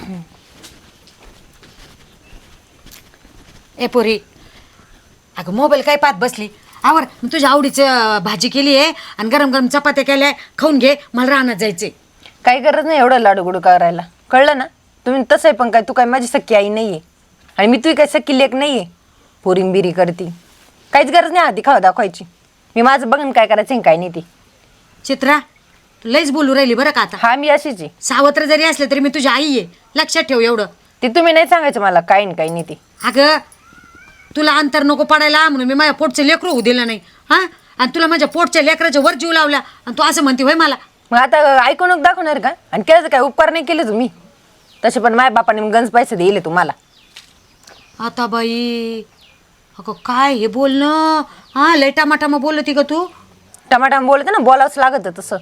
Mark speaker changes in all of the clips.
Speaker 1: ए पोरी, अगं मोबाईल काय पाहत बसली? आवर, तुझ्या आवडीचं भाजी केली आहे आणि गरम गरम चपात्या केल्या, खाऊन घे. मला रानात जायचंय.
Speaker 2: काही गरज नाही एवढं लाडूगुडू करायला, कळलं ना? तुम्ही तसं आहे, पण काय तू काय माझी सख्खी आई नाहीये आणि मी तुझी काय सख्खी लेक नाहीये. पोरिंबिरी करती, काहीच गरज नाही आधी खावा दाखवायची. मी माझं बघून काय करायचं काय नाही ती.
Speaker 1: चित्रा, तू लईच बोलू राहिली बरं का आता.
Speaker 2: हा मी अशीच आहे.
Speaker 1: सावत्र जरी असले तरी मी तुझी आई आहे, लक्षात ठेव एवढं.
Speaker 2: ती तुम्ही नाही सांगायचं मला काय नाही काही नाही ती.
Speaker 1: अगं तुला अंतर नको पडायला म्हणून मी माझ्या पोटचं लेकरू होऊ दिलं नाही. हां, आणि तुला माझ्या पोटच्या लेकराच्या वर जीव लावला आणि तू असं म्हणते होय मला?
Speaker 2: मग आता ऐकून दाखवणार का? आणि केलं काय उपकार नाही केले तुम्ही तसे, पण माझ्या बापाने गंज पैसे दिले तुम्हाला.
Speaker 1: आता बाई, अगं काय हे बोलणं? हां, लय टमाटामा बोलती का तू?
Speaker 2: टमाटाम बोलते ना, बोलावंच लागत तसं.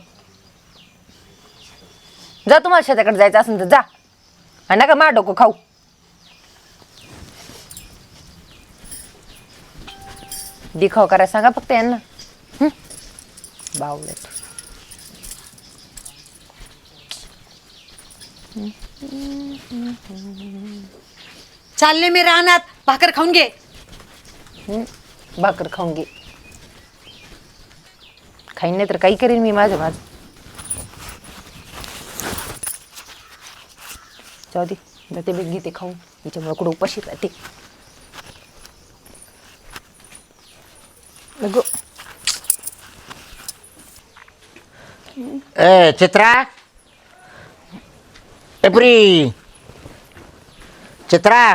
Speaker 2: जा, तुम्हाला शेताकडे जायचं असेल तर जा, आणि नका मा डोकं खाऊ. दिखाव करायला सांगा फक्त यांना. बावळट.
Speaker 1: चालले मी रानात, भाकर खाऊन घे.
Speaker 2: भाकर खाऊन घे. खाईन नाही तर काही करीन मी माझं. जाऊ दे, जाते बीत घेते खाऊन, हिच्यामुळे कुठं उपाशी राहते. लगो
Speaker 3: ए चित्रा, एप्री चित्रा,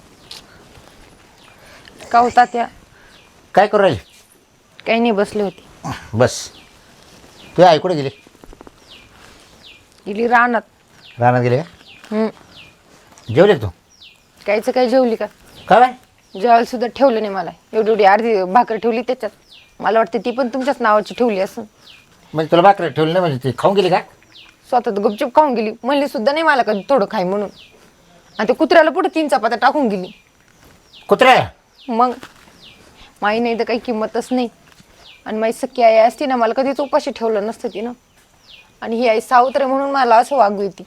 Speaker 2: का होता त्या?
Speaker 3: काय करू राहिली?
Speaker 2: काही नाही, बसली होती.
Speaker 3: बस. तू आई कुठे गेली?
Speaker 2: गेली रानात.
Speaker 3: रानात गेली का? जेवली का तू?
Speaker 2: कायचं काय जेवली का?
Speaker 3: काय बाय?
Speaker 2: जेवायला सुद्धा ठेवलं नाही मला. एवढी अर्धी भाकर ठेवली त्याच्यात. मला वाटतं ती पण तुमच्याच नावाची ठेवली असं.
Speaker 3: म्हणजे तुला भाकर ठेवली नाही म्हणजे ती खाऊन गेली का?
Speaker 2: स्वतः तर गुपचूप खाऊन गेली. म्हणली सुद्धा नाही मला कधी थोडं खाई म्हणून. आणि ते कुत्र्याला पुढे 3 चपात्या टाकून गेली.
Speaker 3: कुत्र्या?
Speaker 2: मग माई नाही तर काही किंमतच नाही. आणि माझी सख्खी आई असती ना, मला कधीच उपाशी ठेवलं नसतं ती ना. आणि ही आई सावत्र आहे म्हणून मला असं वागू येते.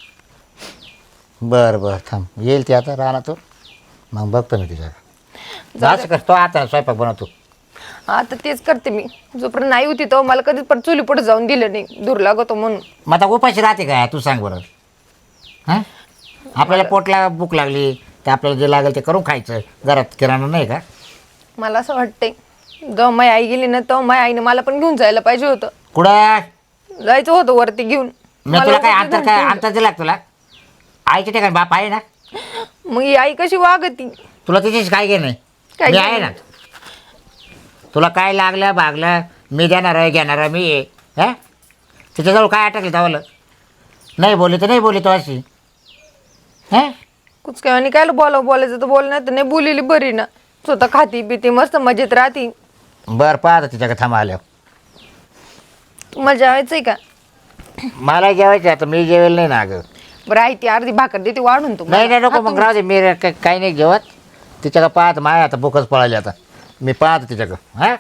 Speaker 3: बरं बरं, थांब, येईल ती आता रानातून, मग बघतो मी तिच्या. असं करतो आता स्वयंपाक बनवतो.
Speaker 2: आता तेच करते मी. जोपर्यंत नाही होती तो मला कधीच पण चुली पुढे जाऊन दिलं नाही, दूर लागतो म्हणून.
Speaker 3: मग आता उपाशी राहते का तू सांग बरं? हां, आपल्याला पोटला भूक लागली तर आपल्याला जे लागेल ते करून खायचं. घरात किराणा नाही का?
Speaker 2: मला असं वाटतंय जेव्हा माझी आई गेली ना, तेव्हा माझ्या आईने मला पण घेऊन जायला पाहिजे होतं.
Speaker 3: कुठं?
Speaker 2: जायचं होतं वरती घेऊन.
Speaker 3: मी तुला काय अंतर दिला तुला? आईच्या ठिकाणी बाप आहे ना.
Speaker 2: मग ही आई कशी वागती?
Speaker 3: तुला त्याच्याशी काय घे नाही,
Speaker 2: काय
Speaker 3: मी
Speaker 2: घेणं
Speaker 3: आहे ना. तुला काय लागलं भागलं मी देणार आहे, घेणार आहे मी आहे. हां, त्याच्याजवळ काय अटकलं धावलं? नाही बोलली तर नाही बोलली तो अशी. हां,
Speaker 2: कुछ काय आणि काय बोलायचं तर बोल, नाही तर नाही बोललेली बरी ना. स्वतः खाती पिती मस्त मजेत राहती.
Speaker 3: बरं पाहता तिच्याकडे थांबा आल्यावर.
Speaker 2: तुम्हाला जेवायचंय का?
Speaker 3: मला जेवायचं आता, मी जेवेल नाही ना अगं.
Speaker 2: बरं आहे, ती अर्धी भाकर देते वाढून
Speaker 3: नाही
Speaker 2: तुम्हाला.
Speaker 3: नाही नको, मग राहू दे, मी काही नाही जेवत. तिच्याकडं पाहत माय आता भूकच पळाली आता. मी पाहतो तिच्याकडं. हां,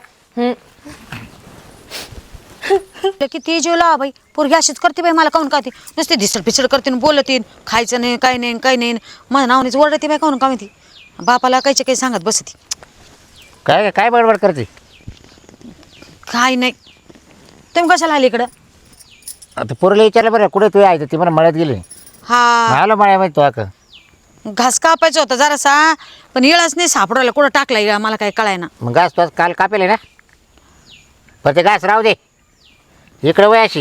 Speaker 1: किती जीव लावा बाई, पोरगी अशीच करते बाई. मला काहून काहते नुसते धिसड पिसड करते, बोलते, खायचं नाही काही नाही काही नाही. माझ्या नावानेच ओरडते बाई, काहून का माहिती. बापाला कायचे काही सांगत बसती.
Speaker 3: काय काय बडबड करते?
Speaker 1: काय नाही. तुम्ही कशाला आली इकडं?
Speaker 3: आता पोरीला विचारलं बरं कुठे तू आहे? ती मला मळ्यात गेली.
Speaker 1: हा,
Speaker 3: आलो मळ्या माहिती तो का?
Speaker 1: घास कापायचा होता जरासा, पण इळच नाही सापडवला. कुठं टाकला इळा मला काही कळाय ना.
Speaker 3: मग घास तो काल कापेल ना, पण ते घास राहू दे. इकडं वयाशी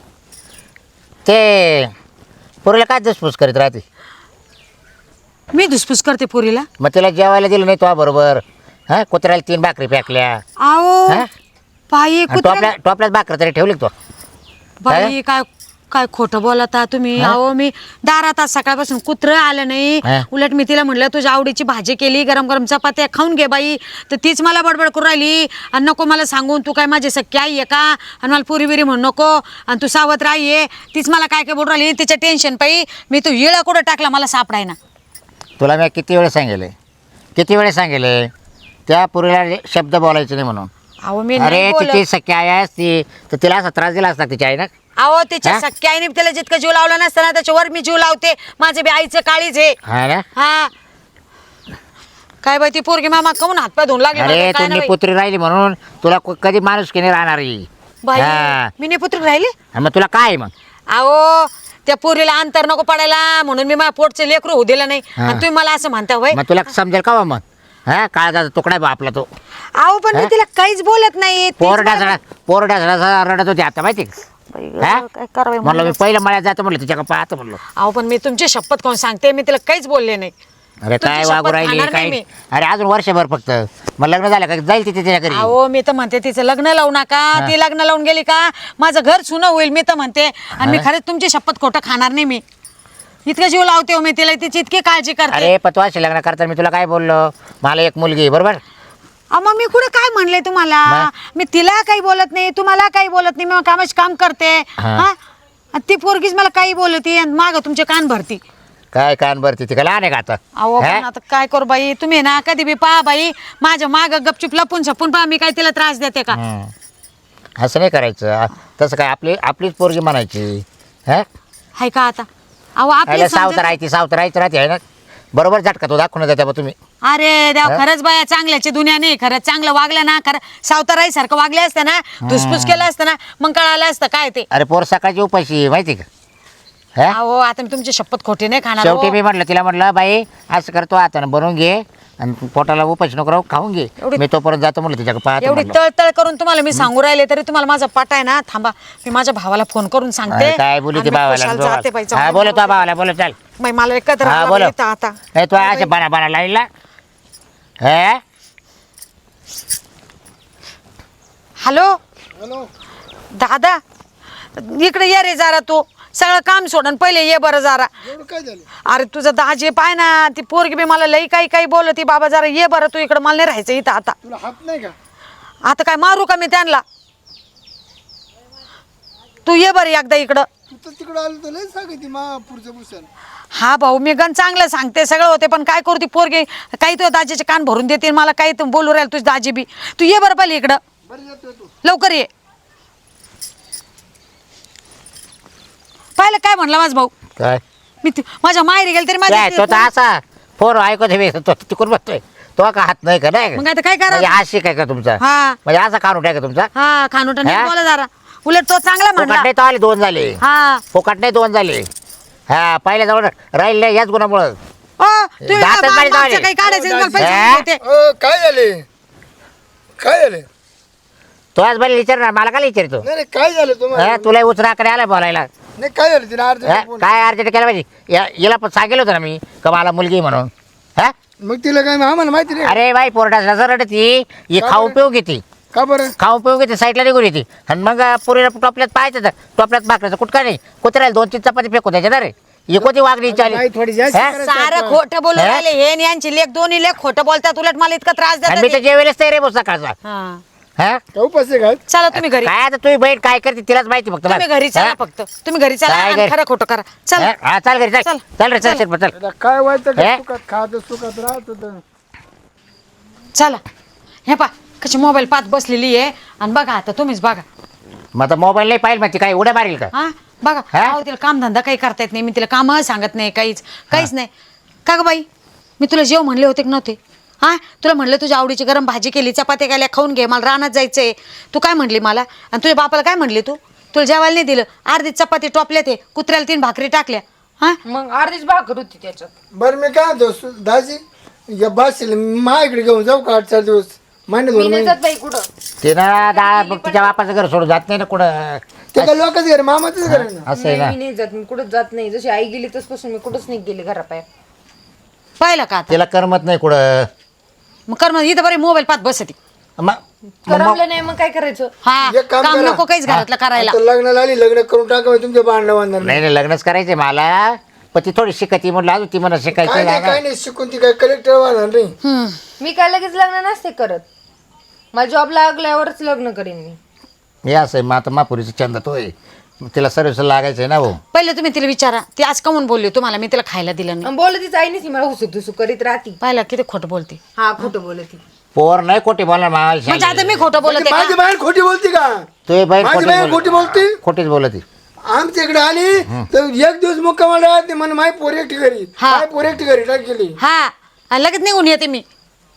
Speaker 3: ते पोरीला काय धुसफूस करीत राहते?
Speaker 1: मी धुसफूस करते पोरीला?
Speaker 3: मग तिला जेवायला दिलं नाही तो बरोबर. हां, कुत्र्याला 3 भाकरी फेकल्या.
Speaker 1: आओ
Speaker 3: हां,
Speaker 1: बाई,
Speaker 3: टोपल्यात भाकर तरी ठेवली तो.
Speaker 1: बाई काय काय खोटं बोलता तुम्ही. अहो मी दारात आज सकाळपासून कुत्रं आलं नाही. उलट मी तिला म्हटलं तुझ्या आवडीची भाजी केली, गरम गरम चपात्या खाऊन घे बाई. तर तीच मला बडबड करून राहिली. आणि नको मला सांगून तू काय माझी सख्खी आई आहे का, आणि मला पुरी बिरी म्हणू नको, आणि तू सावत्र आई आहे. तीच मला काय काय बोलून राहिली. तिच्या टेन्शन पायी मी तू इळा कुठं टाकला मला सापडाय ना.
Speaker 3: तुला मी किती वेळ सांगेले त्या पोरीला शब्द बोलायचे नाही म्हणून.
Speaker 1: अहो मी
Speaker 3: अरे
Speaker 1: नाही बोलत.
Speaker 3: तिची सख्खी आई असती तर तिला असा त्रास दिला असता तिच्या आई ना.
Speaker 1: अहो त्याच्या
Speaker 3: हा?
Speaker 1: सख्या आईने त्याला जितकं जीव लावला नसताना त्याच्यावर मी जीव लावते. माझे बी आईचं काळीच आहे.
Speaker 3: हा ना
Speaker 1: हा काय बाई ती पोरगी मामा कमून हातपाय धुवून लागले
Speaker 3: अरे
Speaker 1: मला काय
Speaker 3: तुम्ही
Speaker 1: नाही बाई.
Speaker 3: पुत्री राहिली म्हणून तुला कधी माणूस की नाही राहणार ही.
Speaker 1: बाई
Speaker 3: हा.
Speaker 1: मी नाही पुत्र राहिले.
Speaker 3: मग तुला काय आहे मग
Speaker 1: अहो त्या पोरीला अंतर नको पडायला म्हणून मी माझ्या पोटचे लेकरू होऊ दिलं नाही.
Speaker 3: हा.
Speaker 1: आणि तुम्ही मला असं म्हणता होय.
Speaker 3: मग तुला समजेल का मग हा काळजाचा तुकडा आहे बा आपला तो.
Speaker 1: अहो पण मी
Speaker 3: हा?
Speaker 1: तिला काहीच बोलत नाही. तीच मला-
Speaker 3: पोरड्या रडत होती आता माहिती का?
Speaker 1: बाई,
Speaker 3: हा?
Speaker 1: काय करावं
Speaker 3: म्हणलं मी
Speaker 1: म्हणलं.
Speaker 3: पहिलं मळ्यात जातो म्हणलं तुझ्या पाहतो म्हणलं.
Speaker 1: अहो पण मी तुमची शपथ कोण सांगते मी तिला काहीच बोलले नाही.
Speaker 3: अरे
Speaker 1: तुमची
Speaker 3: काय
Speaker 1: शपथ
Speaker 3: वागू राहिली
Speaker 1: खाणार नाही
Speaker 3: काय
Speaker 1: मी.
Speaker 3: अरे अजून वर्षभर फक्त मग लग्न झालं का जाईल तिथे तिच्या घरी.
Speaker 1: अहो मी तर म्हणते तिचं लग्न लावू नका. ती लग्न लावून गेली का माझं घर सुनं होईल मी तर म्हणते. आणि मी खरंच तुमची शपथ खोटं खाणार नाही. मी इतकं जीव लावते हो मी तिला. तिची इतकी काळजी करते.
Speaker 3: अरे पण तू अशी लग्न करताना मी तुला काय बोललो मला एक मुलगी आहे, बरोबर.
Speaker 1: अहो मग मी कुठे काय म्हणले तुम्हाला. मी तिला काही बोलत नाही तुम्हाला काही बोलत नाही. मी कामाच काम करते.
Speaker 3: हा.
Speaker 1: हा आणि ती पोरगीच मला काही बोलती आणि माग तुमचे कान भरती.
Speaker 3: काय कान भरती ती का लहान आहे का आता.
Speaker 1: अहो
Speaker 3: हा?
Speaker 1: पण आता काय करू बाई तुम्ही ना कधी बी पहा बाई माझ्या माग गपचूप लपून छपून पहा मी काय तिला त्रास देते का.
Speaker 3: असं नाही करायचं. तसं काय आपलीच पोरगी म्हणायची. हा
Speaker 1: हाय का आता. अहो आपली
Speaker 3: सावतर राहते सावतर राहते आहे ना. बरोबर झटका तो दाखवून जाते बा तुम्ही.
Speaker 1: अरे देव खरंच बाया चांगल्याची दुनिया नाही. खरंच चांगलं वागलं ना खरं सावताराई सारखं वागले असतं ना धुसफूस केलं असतं ना मग कळालं असतं काय ते.
Speaker 3: अरे पोर सकाळची उपाशी आहे, माहिती का. हा
Speaker 1: अहो आता मी तुमची शपथ खोटी नाही खाणार.
Speaker 3: शेवटी
Speaker 1: हो.
Speaker 3: मी म्हटलं तिला म्हटलं बाई असं करतो आता बनवून घे आणि पोटाला उपाशी नको राहू खाऊन घे. मी तोपर्यंत जातो म्हटलं तिच्या पाहतो
Speaker 1: एवढी
Speaker 3: म्हटलं.
Speaker 1: तळतळ करून तुम्हाला मी सांगू राहिले तरी तुम्हाला माझा पाट आहे ना. थांबा मी माझ्या भावाला फोन करून सांगते.
Speaker 3: अरे काय बोलू
Speaker 1: आणि
Speaker 3: ती
Speaker 1: मी खुशाल जाते बाई,
Speaker 3: भावाला. हा
Speaker 1: जाऊ दे.
Speaker 3: बोलतो भावाला बोल चाल.
Speaker 1: बाई, मला एकत्र
Speaker 3: हा
Speaker 1: आला
Speaker 3: बोलो
Speaker 1: बाई इथं आता.
Speaker 3: नाही तू असे बना लाईनला. हा
Speaker 1: हॅलो
Speaker 4: हॅलो
Speaker 1: दादा इकडे ये रे जरा तू सगळं काम सोडून पहिले ये बरं जरा.
Speaker 4: एवढं काय झालं
Speaker 1: अरे तुझं दाजी पाय ना ती पोरगी बी मला लई काही बोलती. बाबा जरा ये बरं तू इकडं मला नाही राहायचं इथं आता.
Speaker 4: तुला हात नाही का
Speaker 1: आता काय मारू का मी त्यांना. तू ये बरं एकदा इकडं.
Speaker 4: तू तर तिकडं आलो तर लय सांगायची मा पुढचं भूषण
Speaker 1: हा भाऊ मी गण चांगलं सांगते सगळं होते पण काय करू ती पोरगी काही तो दाजीचे कान भरून देते मला काही तू बोलू राहील तुझी दाजी बी. तू ये बरं पहिले इकडं
Speaker 4: बरं येतो तू
Speaker 1: लवकर ये. पाहिलं काय म्हणला माझा भाऊ.
Speaker 3: काय
Speaker 1: मी माझ्या माहेरी गेले तरी
Speaker 3: काय तो तर
Speaker 1: माझ्या
Speaker 3: असा फोन ऐकत आहे तो तिकडून बसतोय. तो का हात नाही का नाही
Speaker 1: मग आता काय
Speaker 3: म्हणजे
Speaker 1: करा.
Speaker 3: हात शिकाय का तुमचा
Speaker 1: हा
Speaker 3: म्हणजे असा काढून का तुमचा.
Speaker 1: हा खानोटा नीट
Speaker 3: हा?
Speaker 1: बोला जरा. उलट तो चांगला
Speaker 3: फुकट
Speaker 1: म्हणला.
Speaker 3: नाही तो आले 2 झाले.
Speaker 1: हा
Speaker 3: फुकट नाही 2 झाले. हा पहिल्या जवळ राहील नाही याच गुणामुळं.
Speaker 1: ओ तुम्ही
Speaker 3: दातच
Speaker 1: ना
Speaker 3: बारीक
Speaker 1: मागचं
Speaker 3: झाले.
Speaker 1: काही काढायचं मला पैसे
Speaker 3: हा?
Speaker 1: देते.
Speaker 4: काय झाले काय झाले
Speaker 3: तो आज बरं विचारणार मला काय विचारतो.
Speaker 4: नाही नाही काय झालं तुम्हाला
Speaker 3: हा, तुला उचराकडे आला बोलायला.
Speaker 4: नाही काय झालं तिला अर्ज
Speaker 3: हा, काय अर्जंट केलं पाहिजे याला पण सांगेल होतं ना मी का मला मुलगी म्हणून. हा
Speaker 4: मग तिला काय आम्हाला माहिती नाही
Speaker 3: अरे बाई पोरडा रडती ही
Speaker 4: का
Speaker 3: खाऊ
Speaker 4: बरं?
Speaker 3: पिऊ घेते.
Speaker 4: का बरं
Speaker 3: खाऊ पिऊ घेते साईडला निघून येते आणि मग पुरीला टोपल्यात पाहायचं तर टोपल्यात भाकऱ्याचं कुठं नाही कुत्र्याला 2-3 चपाती फेकू द्यायच्या ना रे. ही कोणती वागणी चाली.
Speaker 4: नाही थोडी जास्त
Speaker 3: हा?
Speaker 4: करायचं
Speaker 1: सारं
Speaker 4: आता.
Speaker 1: खोटं बोलून
Speaker 3: हा?
Speaker 1: राहिले हे आणि यांची लेख दोन्ही लेख खोटं बोलतात उलट मला इतका त्रास
Speaker 3: आणि मी
Speaker 1: देतात
Speaker 3: तर
Speaker 1: ते.
Speaker 3: जेवेलच नाही रे बस सकाळचा.
Speaker 1: हा.
Speaker 3: हा
Speaker 4: का उपास आहे का
Speaker 1: चला तुम्ही घरी.
Speaker 3: काय आता तुझी बहीण काय करते तिलाच माहिती फक्त
Speaker 1: तुम्ही घरी चला फक्त. तुम्ही घरी चला
Speaker 3: काय
Speaker 1: आणि
Speaker 3: घरी?
Speaker 1: खरं खोटं करा. चला
Speaker 3: हा चाल घरी
Speaker 1: चल.
Speaker 3: चल चल रे चल चल चल.
Speaker 4: आता काय व्हायचं
Speaker 3: हे?
Speaker 4: का सुखात खात सुखात राहत होतं.
Speaker 1: चला हे पा कशी मोबाईल पाहत बसलेली आहे आणि बघा आता तुम्हीच बघा.
Speaker 3: मग आता मोबाईल नाही पाहिजे माहिती काय उड्या मारेल का.
Speaker 1: हा बघा
Speaker 3: हा?
Speaker 1: अहो तिला कामधंदा काही करता येत नाही. मी तिला काम सांगत नाही काहीच नाही. का ग बाई मी तुला जेव म्हणले होते की नव्हते. हा तुला म्हणलं तुझ्या आवडीची गरम भाजी केली चपात्या केल्या खाऊन घे मला रानात जायचंय. तू काय म्हणली मला आणि तुझ्या बापाला काय म्हणली तू. तुला जेवायला नाही दिलं. अर्धी चपाती टोपल्या ते कुत्र्याला 3 भाकरी टाकल्या. हा
Speaker 2: मग अर्धीच भाकर होती त्याच्यात.
Speaker 4: बरं मी काय म्हणतो दाजी या बाशील माझ्याकडे घेऊन जाऊ का 8-4 दिवस महिने 2
Speaker 2: मी नाही
Speaker 4: महिने
Speaker 2: जात बाई कुठं.
Speaker 3: ते ना तिच्या बापाचं घर सोडून जात नाही ना कुठं.
Speaker 4: ते काय लोकच घर मामाचंच घर आहे ना
Speaker 3: असं आहे
Speaker 2: नाही, मी
Speaker 3: ना.
Speaker 2: नाही जात. मी कुठंच जात नाही. जशी आई गेली तसपासून मी कुठंच नाही गेले घरापाय.
Speaker 1: पाहिलं का आता
Speaker 3: तिला करमत नाही कुठं.
Speaker 1: मग कर मग इथं बरी मोबाईल पाहत बसती.
Speaker 2: करमलं नाही मग काय करायचं.
Speaker 1: हा
Speaker 4: एक काम
Speaker 1: काम
Speaker 4: करा.
Speaker 1: नको काहीच घरातलं करायला.
Speaker 4: आता लग्नाला आली लग्न करून टाका तुमच्या भांडणं बांधणार
Speaker 3: नाही नाही लग्नच करायचंय मला पण ती थोडी शिकती म्हटलं अजून ती मला
Speaker 4: काय
Speaker 3: शिकायचं
Speaker 4: नाही काय नाही शिकून ती काय कलेक्टर वाहणार नाही
Speaker 1: हम्म.
Speaker 2: मी काय लगेच लग्न नसते करत. मला जॉब लागल्यावरच लग्न करेन मी.
Speaker 3: हे असं आहे मग आता महापुरीचा चंदा तो आहे तिला सर्विस लागायचं आहे ना भाऊ.
Speaker 1: पहिले तुम्ही तिला विचारा ती आज कमून बोलली तुम्हाला मी तिला खायला दिलं नाही.
Speaker 2: आणि बोलत तीच आई नाही मला हुसुक धुसुक करीत राहती.
Speaker 1: पाहिलं किती खोटं बोलते.
Speaker 2: हा खोटं बोलत.
Speaker 3: पोर नाही कोटी बोलणार
Speaker 1: म्हणजे आता मी खोटं बोलते
Speaker 4: माझी
Speaker 1: का?
Speaker 4: बहीण खोटी बोलती का
Speaker 3: तुझी बहीण
Speaker 4: माझी
Speaker 3: खोटी
Speaker 4: बहीण खोटी बोलती
Speaker 3: खोटीच बोलती.
Speaker 4: आमच्या इकडे आली तर एक दिवस मुक्कामाला राहते म्हणे माय पोर एकटी घरी
Speaker 1: हा.
Speaker 4: माय पोर एकटी घरी टाकली.
Speaker 1: हा आणि लगेच निघून येते मी.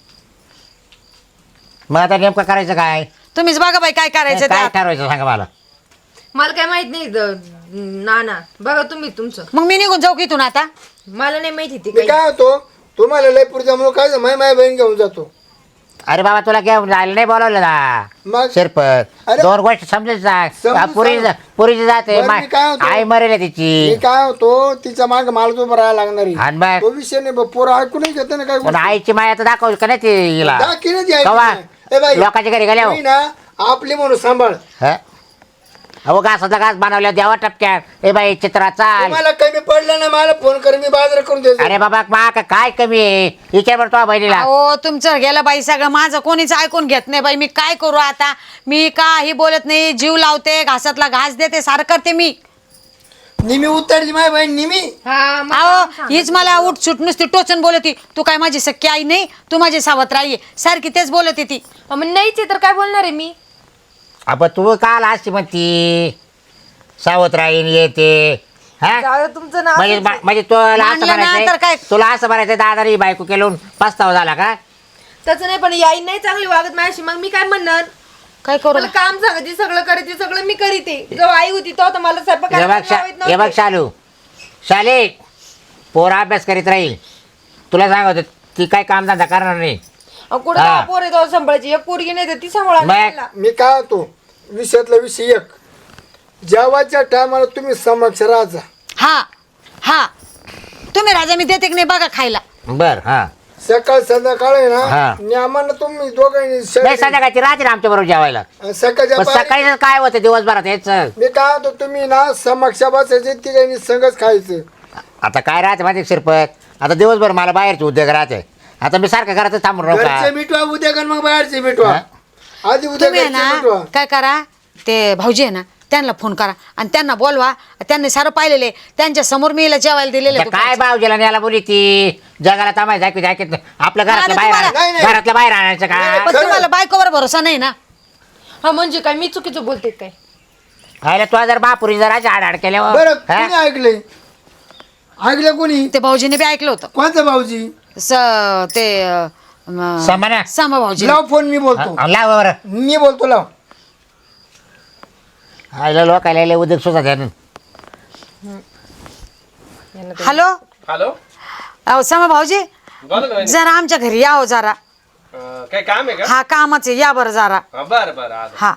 Speaker 3: मग आता नेमकं करायचं काय?
Speaker 1: तुम्हीच बघा बाई काय करायचं ते
Speaker 3: काय
Speaker 1: आता.
Speaker 3: ठरवायचं सांगा मला.
Speaker 2: मला काय माहित नाही ना बघा तुम्ही तुमचं.
Speaker 1: मग मी निघून जाऊ की इथून आता.
Speaker 2: मला नाही माहिती ती
Speaker 4: मी काय होतो तुम्हाला लय पुढच्यामुळे काय माय माय बहीण घेऊन जातो.
Speaker 3: अरे बाबा तुला घेऊन जायला नाही बोलावलं ना
Speaker 4: मग
Speaker 3: शिरपत.
Speaker 4: अरे,
Speaker 3: दोन गोष्टी समजेल
Speaker 4: समजून
Speaker 3: पुरीची जाते
Speaker 4: बरं, मी काय होतो?
Speaker 3: आई मरेल आहे
Speaker 4: मी
Speaker 3: तिची.
Speaker 4: काय होतो तिच्या माग मला तो राहायला लागणार आहे.
Speaker 3: आणि मग
Speaker 4: तो विषय नाही पोरं ऐकूनच घेते ना काय
Speaker 3: पण आईची माया तर दाखवली का नाही तिला?
Speaker 4: दाखीनच द्यायची
Speaker 3: कवा?
Speaker 4: नाही. ए बाई,
Speaker 3: लोकांच्या घरी गेल्या
Speaker 4: तुम्ही ना आपली म्हणून सांभाळ.
Speaker 3: अहो घासाचा घास बनवल्या द्यावा टपक्यात. ए बाई चित्रा चाल.
Speaker 4: तुम्हाला कमी पडलं ना मला फोन कर मी बाजार करून देतो.
Speaker 3: अरे बाबा मा काय कमी आहे विचार बरं तो बहिणीला.
Speaker 1: हो तुमचं गेलं बाई सगळं. माझं कोणीच ऐकून घेत नाही बाई. मी काय करू आता. मी काही बोलत नाही. जीव लावते घासातला घास देते सारं करते मी.
Speaker 4: निमी उतरली माय बहीण निमी.
Speaker 1: अहो हीच मला उठ सुट नुसती टोचन बोलती. तू काय माझी सख्खी आई नाही. तू माझी सावत्र आई आहे. सारखी तेच बोलते ती.
Speaker 2: मग नाहीच आहे तर काय बोलणार आहे मी.
Speaker 3: अब तू काल असती म्हणती सावत्र राहीन येते. हा
Speaker 2: जाऊ दे, तुमचं नाव
Speaker 3: म्हणजे तुला असं
Speaker 1: मानलं ना तर
Speaker 3: म्हणायचंय
Speaker 1: काय?
Speaker 3: तुला असं म्हणायचं दादारी बायको केलं पस्तावा झाला का?
Speaker 2: त्याचं नाही पण आई नाही चांगली वागत माझ्याशी मग मी काय म्हणणार.
Speaker 1: काय करू
Speaker 2: मला काम सांगायची सगळं करायचे सगळं मी करीते. जेव्हा आई होती तेव्हा तर मला स्वयंपाक करायला लावत
Speaker 3: हे बघ
Speaker 2: नव्हते.
Speaker 3: शालू शाले पोरा अभ्यास करीत राहील. तुला सांगत ती काय कामधंदा करणार नाही.
Speaker 2: कुठं
Speaker 3: हा.
Speaker 2: पोर आहे तेव्हा सांभाळायची. एक पोरगी नाही तर ती सांभाळा
Speaker 3: मग?
Speaker 2: मला.
Speaker 4: मी काय होतो विषयातला विषय एक जेवायच्या टायमाला तुम्ही समक्ष राहा.
Speaker 1: हा हा तुम्ही राजा मी देते की नाही बघा खायला.
Speaker 3: बर हा
Speaker 4: सकाळ संध्याकाळ आहे
Speaker 3: हा.
Speaker 4: ना नियमानं तुम्ही दोघांनी
Speaker 3: नाही संध्याकाळची राहते ना आमच्या बरोबर जेवायला.
Speaker 4: सकाळच्या
Speaker 3: पण
Speaker 4: पारी-
Speaker 3: सकाळी काय होतं दिवसभरात हेच.
Speaker 4: मी काय होतो तुम्ही ना समक्ष बसायचे तिघांनी संगच खायचं.
Speaker 3: आता काय राहते माझे शिरपत. आता दिवसभर मला बाहेरचे उद्योग राहते. आता मी सारखं घरातच थांबून राहू
Speaker 4: घरचे
Speaker 3: का?
Speaker 4: मिठवा उद्या कर मग बाहेरचे मिठवा.
Speaker 3: हा?
Speaker 4: आधी उद्या
Speaker 1: तुम्ही आहे
Speaker 4: घरचे
Speaker 1: ना
Speaker 4: मिठवा.
Speaker 1: काय करा ते भाऊजी आहे ना त्यांना फोन करा आणि त्यांना बोलवा. त्यांनी सारं पाहिलेले त्यांच्या समोर मी हिला जेवायला दिलेलं
Speaker 3: आता काय भावजीला न्यायला बोली ती जगाला थांबायचं ऐकत आपलं घरातलं
Speaker 1: आता
Speaker 3: बाहेर
Speaker 1: तुम्हाला-
Speaker 4: नाही, नाही.
Speaker 3: घरातलं बाहेर आणायचं का?
Speaker 1: पण तुम्हाला बायकोवर भरोसा नाही ना.
Speaker 2: हा म्हणजे काय मी चुकीचं बोलते काय.
Speaker 3: अरे तुला जर बापुरी जर अशी आड केल्यावर
Speaker 4: बरं कोणी ऐकले ऐकलं कोणी
Speaker 1: ते भाऊजीने बी ऐकलं होतं.
Speaker 4: कोणतं भाऊजी
Speaker 1: ते
Speaker 3: समाना
Speaker 1: सामा भाऊजी.
Speaker 4: लाव फोन मी बोलतो
Speaker 3: लाव बरं.
Speaker 4: मी बोलतो लाव.
Speaker 3: आईला लोकायला लय उद्योग सुद्धा द्या.
Speaker 1: हॅलो
Speaker 5: हॅलो
Speaker 1: अहो सामा भाऊजी
Speaker 5: बोला ना वहिनी.
Speaker 1: जरा आमच्या घरी या हो जरा.
Speaker 5: काय काम आहे का
Speaker 1: हा कामाचे या बरं जरा.
Speaker 5: बरं बरं आलो.
Speaker 1: हा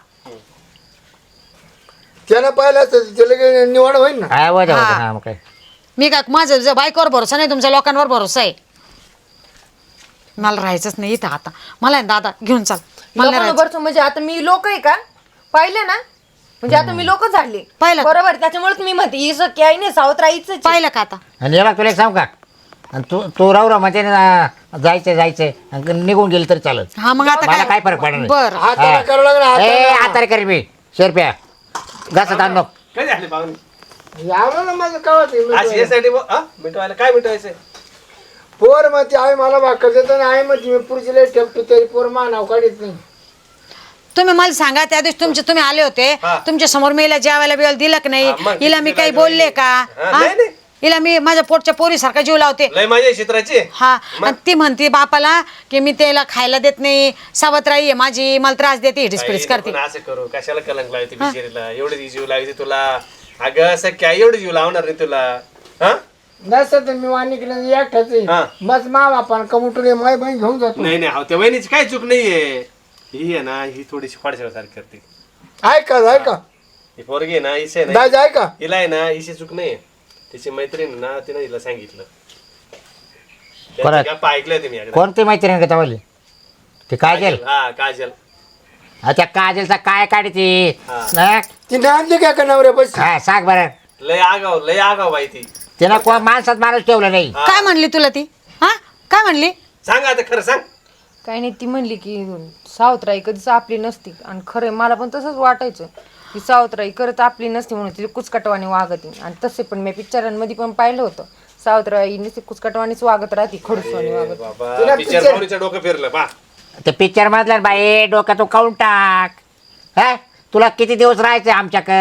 Speaker 4: त्यानं पाहिलं असतं त्याला काही निवड होईल ना.
Speaker 3: हा वजा
Speaker 1: हा.
Speaker 3: होतं ना मग काय.
Speaker 1: मी काय माझं बायकोवर भरोसा नाही तुमच्या लोकांवर भरोसा आहे. मला राहायचंच नाही इथं आता. मला आहे ना दादा घेऊन चाल. मला नाही राहायचं.
Speaker 2: लोकांबरोबर म्हणजे आता मी लोक आहे का पाहिलं ना म्हणजे आता मी लोक झाले
Speaker 1: पाहिलं.
Speaker 2: बरोबर त्याच्यामुळे तुम्ही म्हणते ही सख्खी आई नाही सावत्र आईच आहे.
Speaker 1: पाहिलं का आता.
Speaker 3: आणि हे बघ तुला एक सांगू का? आणि तू राहू म्हणजे जायचं आणि निघून गेली तरी चालत.
Speaker 1: हा मग आता
Speaker 3: मला काय फरक पडणार नाही.
Speaker 1: बर
Speaker 4: हाताला करावं लागलं
Speaker 3: ए
Speaker 4: हाताला.
Speaker 3: आता करी मी शेरप्या घासत आणलो.
Speaker 5: कधी आले पाहुणे
Speaker 4: यावं ना माझं कावत
Speaker 5: आज यासाठी मिटवायला काय मिटवायचंय
Speaker 4: पोर मग ती आई मला भाकर देतो ना आई मग मी पुढची लय ठेवतो तरी पोर मा नाव काढीत नाही.
Speaker 1: तुम्ही मला सांगा त्या दिवशी तुम्ही आले होते
Speaker 5: हा.
Speaker 1: तुमच्या समोर मी हिला जेवायला बिवायला दिलं की नाही.
Speaker 5: हा, मग
Speaker 1: हिला मी
Speaker 5: किती
Speaker 1: काही
Speaker 5: दिलं
Speaker 1: बोलले का
Speaker 5: हा,
Speaker 1: हा?
Speaker 5: नाही, नाही.
Speaker 1: हिला मी माझ्या पोटच्या पोरीसारखा जीव लावते.
Speaker 5: लय माझ्या क्षेत्राची
Speaker 1: हा आणि ती म्हणते बापाला की मी त्याला खायला देत नाही. सावत्राई आहे माझी मला त्रास देते हिडीस करते.
Speaker 5: असं करू कशाला कलंक लावते बिचारीला एवढी जीव लावायची तुला. अगं असं काय एवढी जीव लावणार नाही तुला. हा
Speaker 4: नसतं तर मी वाणिकडे एकटाच
Speaker 5: हा.
Speaker 4: आहे मग मा बापान कमुटले माय बहीण घेऊन जातो.
Speaker 5: नाही नाही त्या वहिनीची काय चूक नाहीये. ही आहे ना ही थोडीशी फाडशासारखी करते.
Speaker 4: ऐका ऐका
Speaker 5: ही पोरगी आहे ना हिची आहे ना
Speaker 4: दाजी ऐका
Speaker 5: हिला आहे ना हिची चूक नाही. तिची मैत्रीण ना तिनं हिला सांगितलं.
Speaker 3: परत.
Speaker 5: गप्पा ऐकल्या तुम्ही एकदा.
Speaker 3: कोणती मैत्रीण का तवाली? ते काजल.
Speaker 5: हा काजल
Speaker 3: अच्छा काजलचा काय काढते?
Speaker 5: हा.
Speaker 4: ती आणली काय का नवऱ्या पैसे
Speaker 3: हा सांग बरं.
Speaker 5: लय आगाव बाई ती.
Speaker 3: तिनं कोण माणसात माणूस ठेवलं नाही.
Speaker 5: हा.
Speaker 1: काय म्हणली तुला ती हा काय म्हणली.
Speaker 5: सांग आता खरं सांग.
Speaker 2: काही नाही ती म्हणली की सावत्राई कधीच आपली नसती आणि खरं आहे, मला पण तसंच वाटायचं की सावत्राई करत आपली नसती म्हणून ती कुचकटवाणी वागते. आणि तसे पण मी पिक्चरांमध्ये पण पाहिलं होतं सावत्राई नुसती कुचकटवाणीच वागत राहते खडूसवाणी वागत.
Speaker 5: बाबा
Speaker 4: तिला
Speaker 5: पिक्चर
Speaker 4: picture-
Speaker 5: पाहुणीचं डोकं फिरलं बा.
Speaker 3: ते पिक्चर मधलं बाई डोक्यात तू काढून टाक. हा तुला किती दिवस राहायचं आमच्याकडं?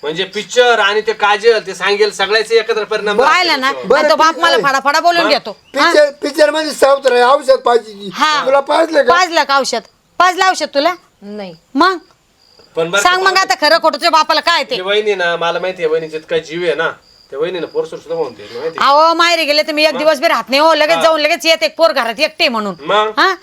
Speaker 5: म्हणजे पिक्चर आणि ते काजल ते सांगेल सगळ्याचे एकत्र परिणाम
Speaker 1: पाहिलं ना
Speaker 5: झाले.
Speaker 1: आणि तो बाप मला फाडाफाडा बोलून घेतो हा?
Speaker 4: पिक्चर मध्ये सावत्र आहे, औषध पाहिजे
Speaker 1: हा.
Speaker 4: तुला पाजलं का
Speaker 1: पाजलं का औषध पाजलं औषध तुला
Speaker 2: नाही
Speaker 1: मग
Speaker 5: पण बरं
Speaker 1: सांग मग आता खरं खोटं तुझ्या बापाला काय ते
Speaker 5: ते वहिनी ना मला माहिती आहे वहिनीचे इतका जीव आहे ना त्या वहिनीनं पोरसोर सुद्धा म्हणते माहिती आहे?
Speaker 1: अहो माहेरी गेले तर मी एक दिवस बी राहत नाही हो लगेच जाऊन लगेच येते एक पोर घरात एकटे म्हणून
Speaker 5: मग
Speaker 1: हा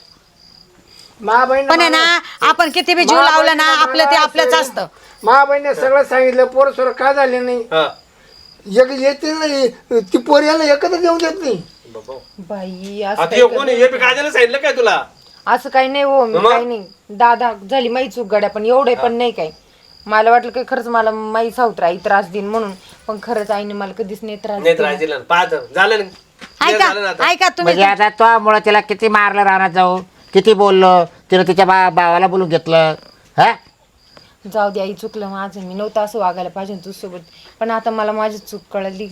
Speaker 4: महाबहिणी
Speaker 1: पण आहे ना आपण किती बी जीव लावला ना आपलं ते आपलंच असतं
Speaker 4: महाबहिणी सगळं सांगितलं पोर सोर का झाले नाही
Speaker 5: हा
Speaker 4: एक येते नाही ती पोर याला एकत्र येऊन देत नाही
Speaker 5: बाबा.
Speaker 2: बाई असं
Speaker 5: आता हे कोणी हे बी काजलने सांगितलं काय तुला
Speaker 2: असं काही नाही हो मी काही नाही दादा झाली माई चूक गड्या पण एवढे पण नाही काही मला वाटलं की खरंच मला माई सावत्र आई त्रास देईन म्हणून पण खरंच आईने मला कधीच नाही त्रास
Speaker 5: नाही
Speaker 2: दिला.
Speaker 5: तर दिला पाहत झालं ना Clear झालं ना आता.
Speaker 1: ऐका तुम्ही
Speaker 3: म्हणजे आता तो मुळे तिला किती मारलं राहणार जाऊ किती बोललो तिला तिच्या भावाला बोलून घेतलं हा
Speaker 2: जाऊ दे आई चुकलं माझं मी नव्हतं असं वागायला पाहिजे तुझ्यासोबत पण आता मला माझी चूक कळली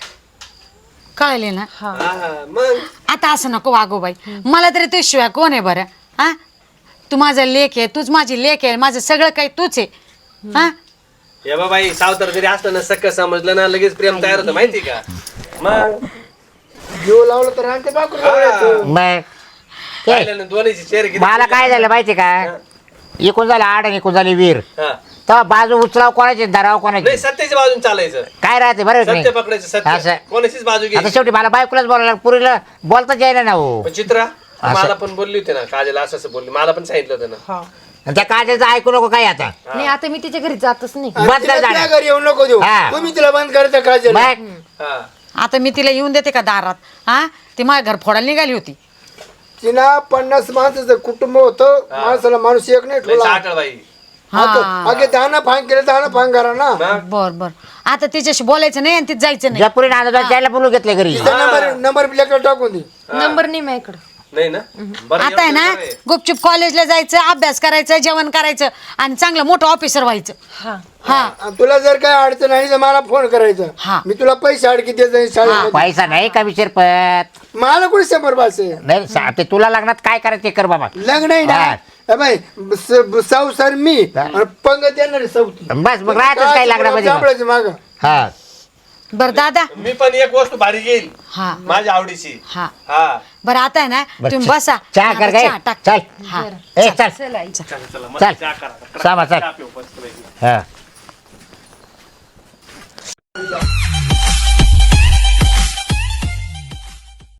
Speaker 1: कळले ना
Speaker 5: हा, मग
Speaker 1: आता असं नको वागू बाई मला तरी तू शिवाय कोण आहे बरं हा तू माझा लेक आहे तूच माझी लेक आहे माझं सगळं काही तूच आहे हा
Speaker 5: हे बाई सावतर जरी असलं ना सख्य समजलं ना लगेच प्रेम तयार होतं माहिती का मग
Speaker 4: जीव लावलं तर आणते बाकरू
Speaker 3: मग
Speaker 5: पाहिलं ना दोन्हीची चेहरे किती
Speaker 3: मला काय झालं माहिती का इकून झालं आड आणि इकून झाली वीर
Speaker 5: हा.
Speaker 3: तेव्हा बाजू उचलाव कोणाची धराव
Speaker 5: नाही
Speaker 3: कोणाची
Speaker 5: सत्याच्या बाजून चालायचं
Speaker 3: काय राहते बरं की
Speaker 5: सत्य
Speaker 3: नाही
Speaker 5: पकडायचं सत्य
Speaker 3: असं.
Speaker 5: कोणाचीच बाजू
Speaker 3: आता
Speaker 5: घ्यायची
Speaker 3: शेवटी मला बायकोलाच बोलायला पुरीला बोलताच यायला ना हो
Speaker 5: पण चित्रा मला पण बोलली होती ना काजल असं असं बोलली मला पण सांगितलं होतं ना
Speaker 2: हा
Speaker 3: आणि त्या काजलचं ऐकू नको काय आता
Speaker 2: नाही आता मी तिच्या घरी जातच नाही
Speaker 3: बंद कर जाणं.
Speaker 4: घरी येऊ नको देऊ
Speaker 3: हा.
Speaker 4: तुम्ही तिला बंद करायचं काजल
Speaker 3: मग
Speaker 5: हा
Speaker 1: आता मी तिला येऊन देते का दारात हा ती माझ्या घर फोडायला निघाली होती
Speaker 4: तिला 50 माणसाचं कुटुंब होतं माणसाला माणूस एक नाही
Speaker 5: लय
Speaker 4: ठेवला
Speaker 5: साठळ बाई
Speaker 4: अगे दाना फांग केलं दाना फांग करा ना
Speaker 1: बर बर आता तिच्याशी बोलायचं नाही आणि तिथे जायचं नाही
Speaker 3: ज्या पुरी नांदा त्याला बोलून घेतले घरी
Speaker 4: तिचा नंबर प्लेट टाकून दे
Speaker 2: नंबर नाही माझ्याकडं
Speaker 5: नाही ना बरं
Speaker 1: आता आहे ना
Speaker 5: एवढं बरं आहे.
Speaker 1: गुपचूप कॉलेजला जायचं अभ्यास करायचं जेवण करायचं आणि चांगलं मोठं ऑफिसर व्हायचं
Speaker 2: हा
Speaker 1: हा
Speaker 4: आणि तुला जर काय अडचण आली तर मला फोन करायचा
Speaker 1: हा.
Speaker 4: मी तुला पैसे अडकी देत जाईन शाळेमध्ये
Speaker 3: पैसा नाही का शिरपत
Speaker 4: मला कुठे 100 पाचशे
Speaker 3: नाही ते तुला लग्नात काय करायचं ते कर बाबा
Speaker 4: लग्न आहे ना
Speaker 3: हा.
Speaker 4: ए बाई सर मी आणि पंगत येणार सौती
Speaker 3: बस मग राहतच काय लग्नामध्ये मग.
Speaker 4: माग
Speaker 3: हा
Speaker 1: बरं दादा
Speaker 5: मी पण एक वस्तू भारी घेईल
Speaker 1: हा
Speaker 5: माझ्या आवडीची
Speaker 1: हा
Speaker 5: हा
Speaker 1: बरं आता आहे ना
Speaker 3: बरं,
Speaker 1: तुम्ही
Speaker 3: चहा-
Speaker 1: बसा
Speaker 3: चहा कर
Speaker 1: आता
Speaker 3: काय
Speaker 1: चहा टाक.
Speaker 3: चल
Speaker 1: हा
Speaker 3: ए चल
Speaker 2: चल आई
Speaker 5: चला
Speaker 3: चल.
Speaker 5: चहा करा
Speaker 3: सामा, चल.
Speaker 5: चहा पिऊ, मस्त पैकी.
Speaker 3: हा